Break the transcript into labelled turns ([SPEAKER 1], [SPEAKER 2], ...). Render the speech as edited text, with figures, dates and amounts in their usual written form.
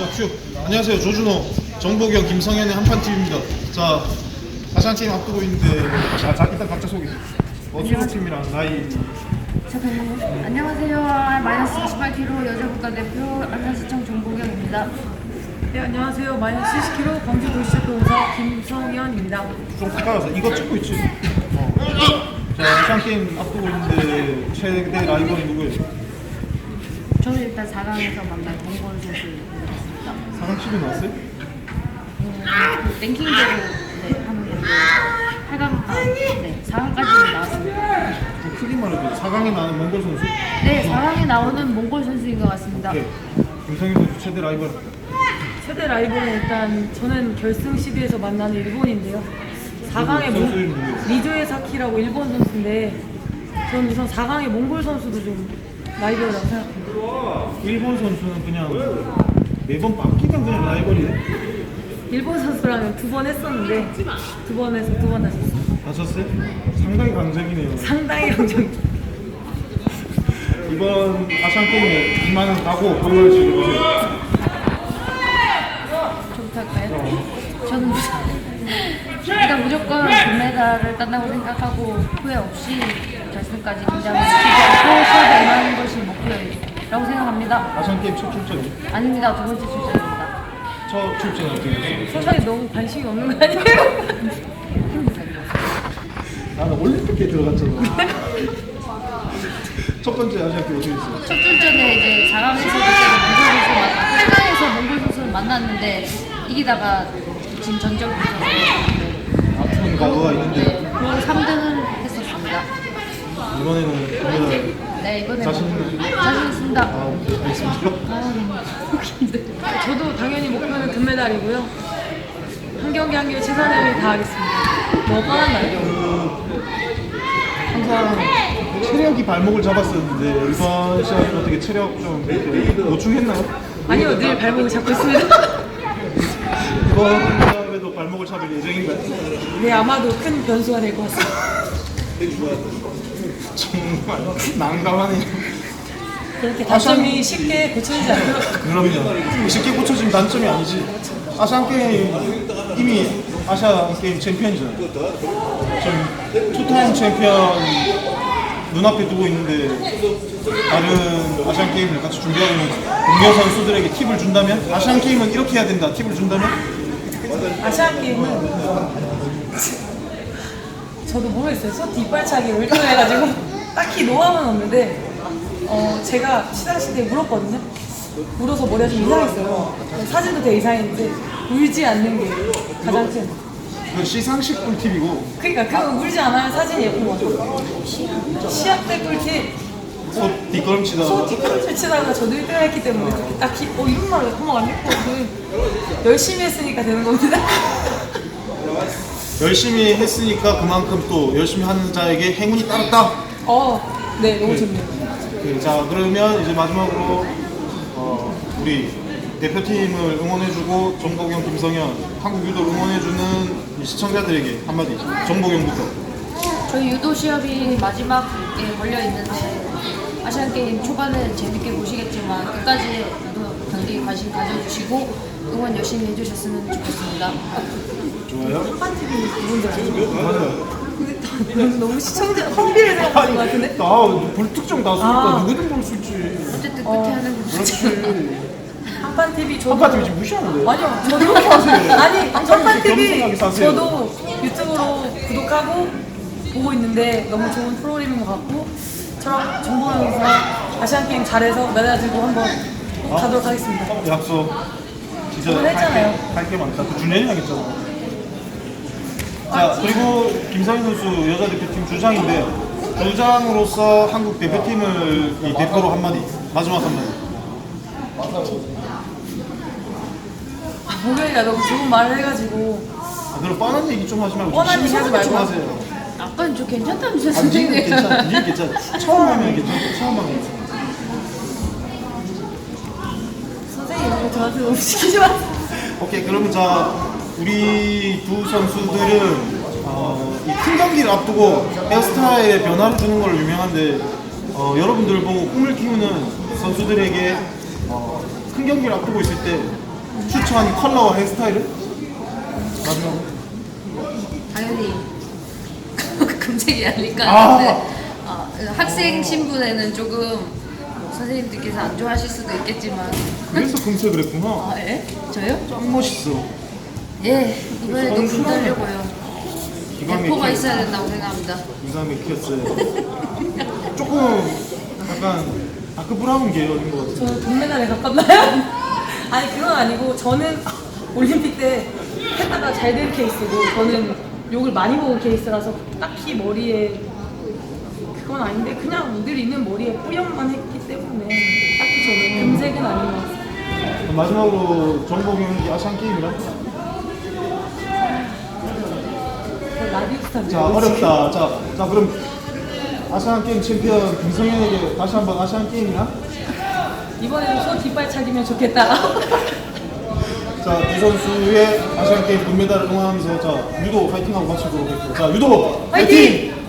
[SPEAKER 1] 자, 큐. 안녕하세요. 조준호, 정보경, 김성현의 한판팀입니다. 자, 아시안게임 앞두고 있는데, 자, 일단 각자 소개. 소속팀이랑 나이.
[SPEAKER 2] 잠깐만요. 안녕하세요. 마이너스 48kg 여자 국가대표 안산시청 정보경입니다.
[SPEAKER 3] 네, 안녕하세요. 마이너스 70kg 광주도시체육공사 김성현입니다.
[SPEAKER 1] 좀 가까워서 이거 찍고 있지. 자, 아시안게임 앞두고 있는데, 최대 라이벌이 누구예요?
[SPEAKER 2] 저는 일단 4강에서 만난 동건 선수를 만났습니다.
[SPEAKER 1] 4강 치고 나왔어요?
[SPEAKER 2] 랭킹대로 하는 건데 8강, 네, 4강까지는 나왔습니다.
[SPEAKER 1] 좀 크게 말해도 4강에 나는 몽골 선수?
[SPEAKER 2] 네, 4강에 나오는 몽골 선수인 것 같습니다.
[SPEAKER 1] 네. 김성현 선수 최대 라이벌.
[SPEAKER 3] 최대 라이벌은 일단 저는 결승 시드에서 만나는 일본인데요. 4강의
[SPEAKER 1] 선수 이름 누구예요?
[SPEAKER 3] 리조에 사키라고 일본 선수인데 저는 우선 4강의 몽골 선수도 좀 라이벌이라고 생각합니다.
[SPEAKER 1] 일본 선수는 그냥 매번 바뀌면 그냥 라이벌이네.
[SPEAKER 3] 일본 선수랑은 2번 했었는데 2번에서 2번 다셨어요.
[SPEAKER 1] 다쳤어요? 상당히 강적이네요.
[SPEAKER 3] 상당히 강적.
[SPEAKER 1] 이번 아시안게임에 이만은 가고 한번 즐겨보세요.
[SPEAKER 2] 저부터 할까요? 저는 일단 무조건 금메달을 딴다고 생각하고 후회 없이 결승까지 긴장을 시키지 않고 시합에 임하는 것이 목표라고 생각합니다.
[SPEAKER 1] 아시안게임 첫 출전이?
[SPEAKER 2] 아닙니다. 두 번째 출전입니다.
[SPEAKER 1] 첫 출전은 어떻게 됐어요?
[SPEAKER 3] 선수에 너무 관심이 없는 거 아니에요?
[SPEAKER 1] 나는 올림픽에 들어갔잖아. 첫 번째 아시안게임 어떻게 됐어요?
[SPEAKER 2] 첫 출전에 이제 4강에서 그때 몽골 선수 8강에서 몽골 선수를 만났는데 이기다가 지금 전적이 있어서
[SPEAKER 1] 아픈 과거가 있는데
[SPEAKER 2] 그걸 3등을 했었습니다.
[SPEAKER 1] 이번에는 금메달
[SPEAKER 2] 네, 이번에
[SPEAKER 1] 자신 있나요?
[SPEAKER 2] 자신 있습니다.
[SPEAKER 1] 알겠습니다.
[SPEAKER 3] 저도 당연히 목표는 금메달이고요. 한 경기 한 경기 최선을 다하겠습니다. 뭐 뻔한가요?
[SPEAKER 1] 항상 체력이 발목을 잡았었는데 이번 시합은 어떻게 체력 좀 이렇게 보충했나요?
[SPEAKER 3] 아니요, 늘 발목을 잡고 있습니다.
[SPEAKER 1] 이번 시합에도 발목을 잡을 예정인가요?
[SPEAKER 3] 네, 아마도 큰 변수가 될 것 같습니다.
[SPEAKER 1] 정말 난감하네요.
[SPEAKER 3] 그렇게 단점이 쉽게 고쳐지지 않고요.
[SPEAKER 1] 그럼요. 쉽게 고쳐진 단점이 아니지. 아시안게임 이미 아시안게임 챔피언이잖아요. 지금 투타임 챔피언 눈앞에 두고 있는데 다른 아시안게임을 같이 준비하고 있는 동료 선수들에게 팁을 준다면 아시안게임은 이렇게 해야 된다 팁을 준다면
[SPEAKER 3] 아시안 게임은 저도 모르겠어요. 소 뒷발차기를 1등 해가지고 딱히 노하우는 없는데 제가 시상식 때 물었거든요. 물어서 머리가 좀 이상했어요. 사진도 되게 이상했는데 울지 않는 게 가장 큰.
[SPEAKER 1] 그 시상식 꿀팁이고
[SPEAKER 3] 그러니까 그거 울지 않아야 사진이 예쁜 거죠. 시합 때 꿀팁.
[SPEAKER 1] 소 뒷걸음치다
[SPEAKER 3] 소 뒷걸음질 치다가 저도 1등을 했기 때문에 그렇게 딱히 이런 말을 한번 안 했고 열심히 했으니까 되는 겁니다.
[SPEAKER 1] 열심히 했으니까 그만큼 또 열심히 하는 자에게 행운이 따랐다.
[SPEAKER 3] 네, 너무 좋네요.
[SPEAKER 1] 자 그러면 이제 마지막으로 우리 대표팀을 응원해주고 정보경, 김성현, 한국 유도 응원해주는 이 시청자들에게 한마디. 정보경부터.
[SPEAKER 2] 저희 유도 시합이 마지막에 걸려 있는데 아시안 게임 초반에 재밌게 보시겠지만 끝까지 유도 경기 관심 가져주시고 응원 열심히 해주셨으면 좋겠습니다.
[SPEAKER 1] 좋아요.
[SPEAKER 3] 한판TV 누군지 아시죠?
[SPEAKER 1] 맞아요.
[SPEAKER 3] 너무 시청자 펑비를 생각하는 것 같은데?
[SPEAKER 1] 불특정 다수니까 누구든 볼 수 있지.
[SPEAKER 2] 어쨌든 끝에 하는 게
[SPEAKER 1] 그렇지.
[SPEAKER 3] 한판TV 저도
[SPEAKER 1] 한파팀이 지금 무시하는데.
[SPEAKER 3] 아니요, 저도
[SPEAKER 1] 이렇게 하세요.
[SPEAKER 3] 아니 한판TV
[SPEAKER 1] 겸손하게 사세요.
[SPEAKER 3] 저도 유튜브로 구독하고 보고 있는데 너무 좋은 프로그램인 것 같고 저랑 정보영에서 아시안 게임 잘해서 메달 들고 한번 꼭 가도록 하겠습니다.
[SPEAKER 1] 약속. 진짜
[SPEAKER 3] 저번 했잖아요.
[SPEAKER 1] 할게 많다. 또 준현이 하겠잖아. 자 그리고 김성현 선수 여자 대표팀 주장인데 주장으로서 한국 대표팀을 이 대표로 한마디. 마지막 한마디.
[SPEAKER 3] 목요일에 너무 좋은 말을 해가지고
[SPEAKER 1] 그럼 뻔한 얘기 좀 하지 말고
[SPEAKER 3] 뻔한 얘기 하지
[SPEAKER 1] 심심하게 좀
[SPEAKER 3] 말고.
[SPEAKER 1] 하세요.
[SPEAKER 2] 아빠는 저 괜찮다면서
[SPEAKER 1] 니는
[SPEAKER 2] 선생님.
[SPEAKER 1] 괜찮아. 니는 괜찮아. 처음 하면 괜찮아. 처음 하면 괜찮아.
[SPEAKER 3] 선생님 이런 거 저한테 너무 시키지 마세요.
[SPEAKER 1] 오케이 그러면 자 우리 두 선수들은 이 큰 경기를 앞두고 헤어스타일에 변화를 주는 걸로 유명한데 여러분들 보고 꿈을 키우는 선수들에게 큰 경기를 앞두고 있을 때 추천 컬러와 헤어스타일은? 마지막으로.
[SPEAKER 2] 당연히 금색이 아닐 것
[SPEAKER 1] 아.
[SPEAKER 2] 같은데 학생 신분에는 조금 선생님들께서 안 좋아하실 수도 있겠지만
[SPEAKER 1] 그래서 금색을 했구나.
[SPEAKER 2] 아 예? 저요?
[SPEAKER 1] 짱 멋있어.
[SPEAKER 2] 예 이번에도
[SPEAKER 1] 저는
[SPEAKER 2] 금 떨려고요.
[SPEAKER 1] 기가
[SPEAKER 2] 대포가
[SPEAKER 1] 막혀.
[SPEAKER 2] 있어야 된다고 생각합니다.
[SPEAKER 1] 기가 막혔어요. 조금 약간 다크 브라운 계열인 것 같아요.
[SPEAKER 3] 저는 동메달에 가깝나요? 아니 그건 아니고 저는 올림픽 때 했다가 잘 된 케이스고 저는 욕을 많이 먹은 케이스라서 딱히 머리에 그건 아닌데 그냥 늘 있는 머리에 뿌염만 했기 때문에 딱히 저는 금색은 아닌 것 같습니다.
[SPEAKER 1] 그럼 마지막으로 정복 경기 아시안 게임이랑.
[SPEAKER 3] 라디오 스타인데
[SPEAKER 1] 자 어렵다. 자 그럼 아시안 게임 챔피언 김성현에게 다시 한번 아시안 게임이랑.
[SPEAKER 3] 이번에는 소 뒷발차기면 좋겠다.
[SPEAKER 1] 자, 두 선수의 아시안 게임 금메달을 응원하면서 자 유도 파이팅하고 마치도록 할게요. 자 유도
[SPEAKER 3] 파이팅!